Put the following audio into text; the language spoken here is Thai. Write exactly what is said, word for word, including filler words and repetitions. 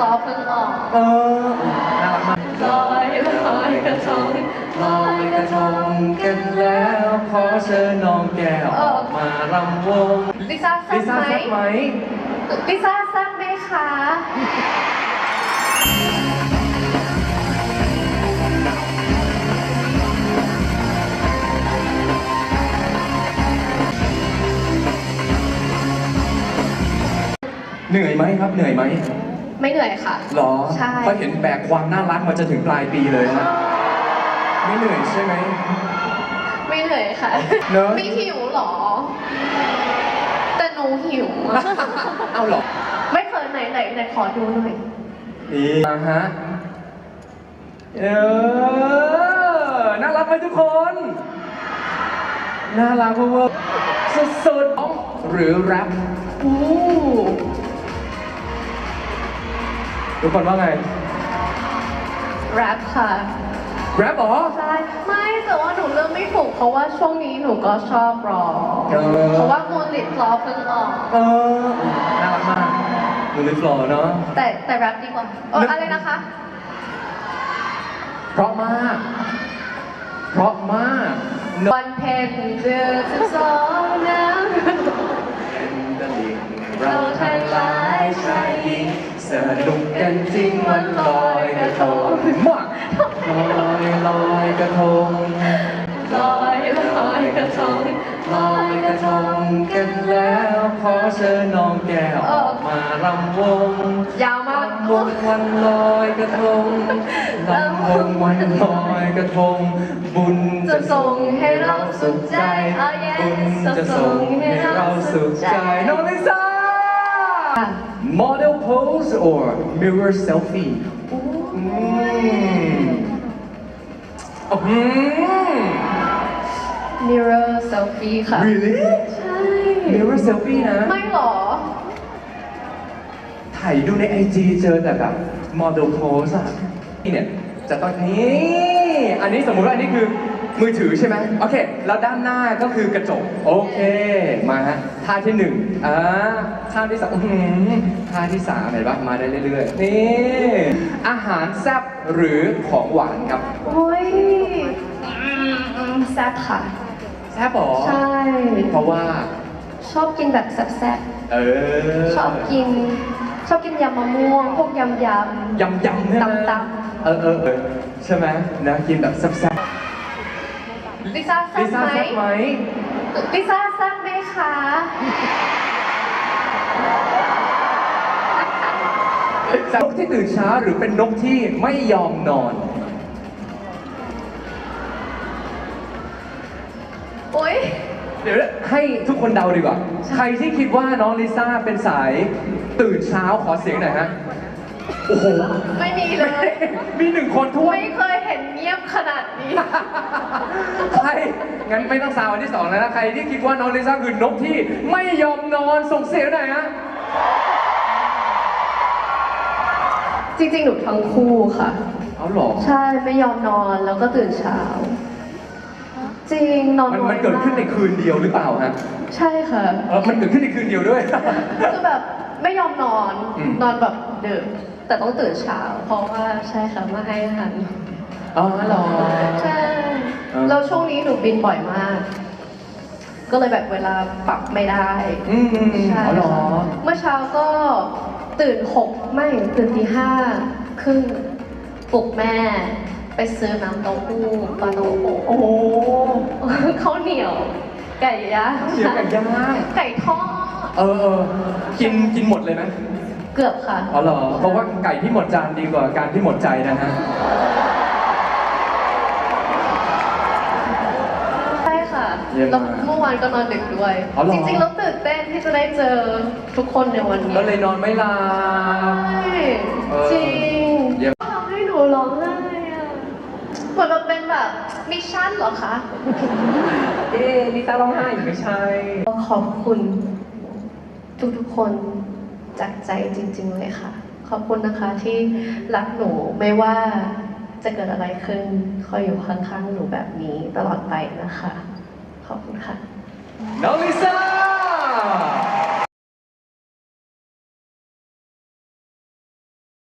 ล้อเพิ่งออกเออน่ารักมากลอยลอยกระทงลอยกระทงกันแล้วขอเชิญน้องแก้วออกมารำวงลิซ่าแซ่ลิบซ่าไหมแซ่บไหมลิซ่าแซ่บไหมคะเหนื่อยไหมครับเหนื่อยไหมไม่เหนื่อยค่ะหรอใช่เพราะเห็นแบกความน่ารักมาจนถึงปลายปีเลยนะไม่เหนื่อยใช่ไหมไม่เหนื่อยค่ะเนอะไม่หิวหรอแต่หนูหิวเอาหรอไม่เคยไหนไหนไหนขอดูหน่อยนี่มาฮะเออน่ารักไหมทุกคนน่ารักเวอร์สุดๆหรือแรปอู้ทุกคนว่าไงแรปค่ะแรปเหรอใช่ไม่แต่ว่าหนูเลือกไม่ถูกเพราะว่าช่วงนี้หนูก็ชอบร้องเพราะว่ามูนลิทล้อเพิ่งออกเออน่ารักมากมูนลิทล้อเนาะแต่แต่แรปดีกว่าเอออะไรนะคะเพราะมากเพราะมากวันเพ็ญเดือนสิบสองน้ำเราทั้งหลายชายหญิงสนุกกันจริงวันลอยกระทงมากลอยลอยกระทงลอยลอยกระทงลอยกระทงกันแล้วขอเชิญน้องแก้วออกมารำวงยาวมากวงวันลอยกระทงลำวงวันลอยกระทงบุญจะส่งให้เราสุขใจบุญจะส่งให้เราสุขใจน้องลิซ่า model pose or mirror selfie อืมอืม mirror selfie ค่ะ really ใช่ mirror selfie นะไม่หรอถ่ายดูในไอจีเจอแต่แบบ model pose อะนี่เนี่ยจะต้องนี่อันนี้สมมุติว่าอันนี้คือมือถือใช่ไหมโอเคแล้วด้านหน้าก็คือกระจกโอเคมาฮะท่าที่หนึ่งอ่าท่าที่สองท่าที่สามเห็นปะมาได้เรื่อยๆนี่อาหารแซ่บหรือของหวานครับโอ้ยแซ่บค่ะแซ่บหรอใช่เพราะว่าชอบกินแบบแซ่บๆเออชอบกินชอบกินยำมะม่วงพวกยำยำยำยำใช่ไหมตำเออเออเออใช่ไหมนะกินแบบแซ่บลิซ่าแซ่บไหมลิซ่าแซ่บไหมคะนกที่ตื่นเช้าหรือเป็นนกที่ไม่ยอมนอนโอ๊ยเดี๋ยวให้ทุกคนเดาดีกว่าใครที่คิดว่าน้องลิซ่าเป็นสายตื่นเช้าขอเสียงหน่อยฮะโอ้โหไม่มีเลยมีหนึ่งคนทั่วไม่เคยเห็นเงียบขนาดนี้ใครงั้นไม่ต้องซาวอันที่สองแล้วนะใครที่คิดว่าน้องลิซ่าคือนกที่ไม่ยอมนอนส่งเสียงหน่อยฮะจริงๆหนูทั้งคู่ค่ะเอาหรอใช่ไม่ยอมนอนแล้วก็ตื่นเช้าจริงนอนมันมันเกิดขึ้นในคืนเดียวหรือเปล่าฮะใช่ค่ะเออมันเกิดขึ้นในคืนเดียวด้วยคือแบบไม่ยอมนอนนอนแบบดึกแต่ต้องตื่นเช้าเพราะว่าใช่ค่ะมาให้อาหารอ๋อหรอใช่แล้วช่วงนี้หนูบินบ่อยมากก็เลยแบบเวลาปรับไม่ได้ใช่หรอเมื่อเช้าก็ตื่นหกไม่ตื่นตีห้าครึ่งปลุกแม่ไปซื้อน้ำเต้าหู้ปลาโตโอ้โหข้าวเหนียวไก่ย่างเชียวไก่ย่างไก่ทอดเออเออกินกินหมดเลยไหมเกือบค่ะอ๋อเหรอเพราะว่าไก่ที่หมดจานดีกว่าการที่หมดใจนะฮะใช่ค่ะแล้วเมื่อวานก็นอนดึกด้วยจริงๆแล้วตื่นเต้นที่จะได้เจอทุกคนในวันนี้ก็เลยนอนไม่หลับจริงทำให้หนูร้องไห้อะเหมือนมันเป็นแบบมิชชั่นเหรอคะเอ๊ะลิซ่าร้องไห้ไม่ใช่ขอบคุณทุกๆคนจากใจจริงๆเลยค่ะขอบคุณนะคะที่รักหนูไม่ว่าจะเกิดอะไรขึ้นคอยอยู่ข้างๆหนูแบบนี้ตลอดไปนะคะขอบคุณค่ะน้องลิซ่า